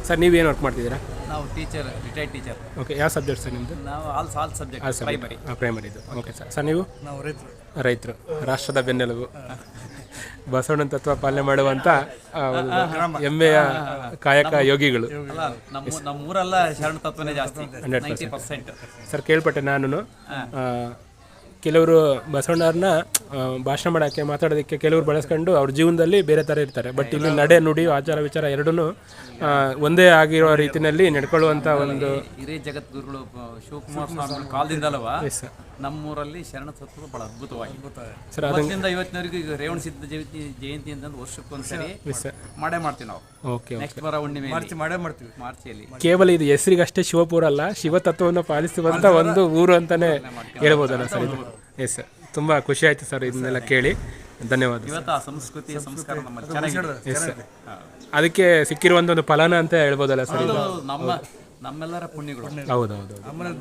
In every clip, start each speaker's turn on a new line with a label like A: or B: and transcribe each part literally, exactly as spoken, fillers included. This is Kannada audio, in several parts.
A: ಸರ್ ನೀವೇನು ವರ್ಕ್ ಮಾಡ್ತಿದ್ದೀರಾ?
B: ನಾವು ಟೀಚರ್, ರಿಟೈರ್ಡ್ ಟೀಚರ್.
A: ಓಕೆ, ಯಾವ ಸಬ್ಜೆಕ್ಟ್ ಸರ್ ನಿಮ್ಮದು?
B: ನಾವು ಆಲ್ ಆಲ್ ಸಬ್ಜೆಕ್ಟ್ ಪ್ರೈಮರಿ.
A: ಪ್ರೈಮರಿದು. Okay sir. ಸರ್ ನೀವು?
C: ನಾವು ರೈತರು.
A: ರೈತರು, ರಾಷ್ಟ್ರದ ಬೆನ್ನೆಲುಬು, ಬಸವಣ್ಣನ ತತ್ವ ಪಾಲನೆ ಮಾಡುವಂಥ ಹೆಮ್ಮೆಯ ಕಾಯಕ ಯೋಗಿಗಳು.
B: ಅಲ್ಲ, ನಮ್ಮ ನಮ್ಮೂರೆಲ್ಲ ಶರಣ ತತ್ವನೇ ಜಾಸ್ತಿ, ನೈಂಟಿ ಪರ್ಸೆಂಟ್.
A: ಸರ್ ಕೇಳ್ಪಟ್ಟೆ ನಾನು, ಕೆಲವರು ಬಸವಣ್ಣವ್ರನ್ನ ಭಾಷಣ ಮಾಡೋಕ್ಕೆ ಮಾತಾಡೋದಕ್ಕೆ ಕೆಲವರು ಬಳಸ್ಕೊಂಡು ಅವ್ರ ಜೀವನದಲ್ಲಿ ಬೇರೆ ಥರ ಇರ್ತಾರೆ. ಬಟ್ ಇಲ್ಲಿ ನಡೆ ನುಡಿ ಆಚಾರ ವಿಚಾರ ಎರಡೂ ಒಂದೇ ಆಗಿರೋ ರೀತಿಯಲ್ಲಿ ನಡ್ಕೊಳ್ಳುವಂಥ ಒಂದು
B: ಹಿರಿಯ ಜಗದ್ಗುರುಗಳು ಶಿವಕುಮಾರ ಸ್ವಾಮಿಗಳ ಕಾಲದಿಂದಲವ ನಮ್ಮೂರಲ್ಲಿ ಶರಣ ತತ್ವ ಬಹಳ ಅದ್ಭುತವಾಗಿ ಸರ್. ಅದರಿಂದ ಇವತ್ತಿನವರೆಗೂ ಈಗ ರೇವಣ ಸಿದ್ಧ ಜಯಂತಿ ಜಯಂತಿ ಅಂತ ವರ್ಷಕ್ಕೊಂದ್ಸರಿ ಮಾಡೇ ಮಾಡ್ತೀವಿ ನಾವು.
A: ಓಕೆ,
B: ನೆಕ್ಸ್ಟ್ ಬರೋ ಹುಣ್ಣಿಮೆ
C: ಮಾರ್ಚ್ ಮಾಡೇ ಮಾಡ್ತೀವಿ.
B: ಮಾರ್ಚಿಯಲ್ಲಿ
A: ಕೇವಲ ಇದು ಹೆಸರಿಗಷ್ಟೇ ಶಿವಪುರ ಅಲ್ಲ, ಶಿವತತ್ವವನ್ನು ಪಾಲಿಸುವಂಥ ಒಂದು ಊರು ಅಂತಲೇ ಹೇಳ್ಬೋದಲ್ಲ ಸರ್ ಇದು? ಎಸ್ ಸರ್, ತುಂಬ ಖುಷಿ ಆಯಿತು ಸರ್ ಇದನ್ನೆಲ್ಲ ಕೇಳಿ. ಧನ್ಯವಾದ.
B: ಇವತ್ತು ಆ ಸಂಸ್ಕೃತಿ ಸಂಸ್ಕಾರ ನಮ್ಮಲ್ಲಿ ಚೆನ್ನಾಗಿದೆ.
A: ಎಸ್ ಸರ್, ಅದಕ್ಕೆ ಸಿಕ್ಕಿರುವಂಥ ಒಂದು ಫಲನ ಅಂತ ಹೇಳ್ಬೋದಲ್ಲ ಸರ್ ಇದು?
B: ನಮ್ಮ ನಮ್ಮೆಲ್ಲರ ಪುಣ್ಯಗಳು.
A: ಹೌದೌದು.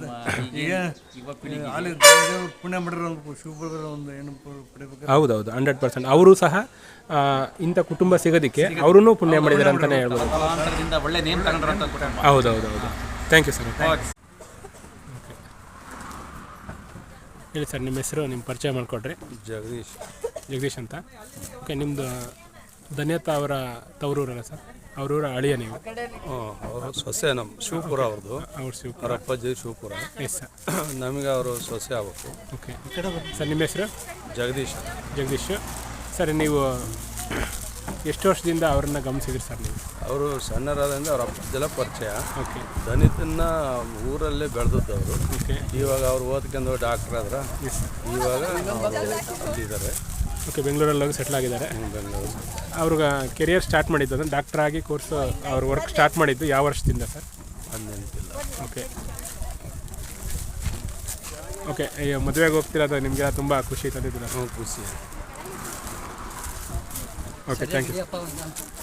C: ಪುಣ್ಯ ಮಾಡಿರೋ ಶಿವಪುರದ ಒಂದು ಏನು ಪಡಿಬೇಕು.
A: ಹೌದೌದು, ಹಂಡ್ರೆಡ್ ಪರ್ಸೆಂಟ್. ಅವರು ಸಹ ಇಂಥ ಕುಟುಂಬ ಸಿಗೋದಕ್ಕೆ ಅವರೂ ಪುಣ್ಯ ಮಾಡಿದ್ದಾರೆ ಅಂತಲೇ ಹೇಳ್ಬೋದು.
B: ಒಳ್ಳೆ ನೇಮ್ ತಗೊಂಡ್ರಂತ ಕುಟುಂಬ.
A: ಹೌದೌದು ಹೌದು. Thank you sir. ಹೇಳಿ ಸರ್, ನಿಮ್ಮ ಹೆಸರು, ನಿಮ್ಮ ಪರಿಚಯ ಮಾಡಿಕೊಡ್ರಿ.
D: ಜಗದೀಶ್.
A: ಜಗದೀಶ್ ಅಂತ. ಓಕೆ, ನಿಮ್ಮದು ಧನ್ಯತಾ ಅವರ ತವರೂರಲ್ಲ ಸರ್? ಅವರೂರ ಅಳಿಯ ನೀವು?
D: ಅವರು ಸೊಸೆ, ನಮ್ಮ ಶಿವಪುರ ಅವ್ರದ್ದು.
A: ಅವ್ರ ಶಿವಪುರ,
D: ಅವ್ರ ಅಪ್ಪಾಜಿ ಶಿವಪುರ.
A: Yes sir.
D: ನಮಗೆ ಅವರು ಸೊಸೆ ಆಗ್ಬೇಕು.
A: ಓಕೆ ಸರ್, ನಿಮ್ಮ ಹೆಸರು?
D: ಜಗದೀಶ್.
A: ಜಗದೀಶ್ ಸರ್, ನೀವು ಎಷ್ಟು ವರ್ಷದಿಂದ ಅವ್ರನ್ನ ಗಮನಿಸಿದ್ರಿ ಸರ್ ನೀವು?
D: ಅವರು ಸಣ್ಣರಾದ್ರಿಂದ ಅವ್ರ ಅಪ್ಪಾಜೆಲ್ಲ ಪರಿಚಯ.
A: ಓಕೆ.
D: ದಲಿತನ್ನ ಊರಲ್ಲೇ ಬೆಳೆದದ್ದು ಅವರು.
A: ಓಕೆ.
D: ಇವಾಗ ಅವ್ರು ಓದ್ಕೊಂಡು ಡಾಕ್ಟರ್ ಆದ್ರೆ ಇವಾಗ ಇದ್ದಾರೆ.
A: ಓಕೆ, ಬೆಂಗಳೂರಲ್ಲಿ ಹೋಗಿ ಸೆಟ್ಲ್ ಆಗಿದ್ದಾರೆ.
D: ಬೆಂಗಳೂರು.
A: ಅವ್ರಿಗೆ ಕೆರಿಯರ್ ಸ್ಟಾರ್ಟ್ ಮಾಡಿದ್ದು ಅಂದರೆ ಡಾಕ್ಟರ್ ಆಗಿ ಕೋರ್ಸ್ ಅವ್ರ ವರ್ಕ್ ಸ್ಟಾರ್ಟ್ ಮಾಡಿದ್ದು ಯಾವ ವರ್ಷದಿಂದ ಸರ್?
D: ಹದಿನೆಂಟಿಲ್ಲ.
A: ಓಕೆ ಓಕೆ ಈಗ ಮದುವೆಗೆ ಹೋಗ್ತಿರೋದು ನಿಮಗೆ ತುಂಬ ಖುಷಿ ತಂದಿದ್ದೀರ?
D: ಹ್ಞೂ, ಖುಷಿ.
A: Okay, thank you.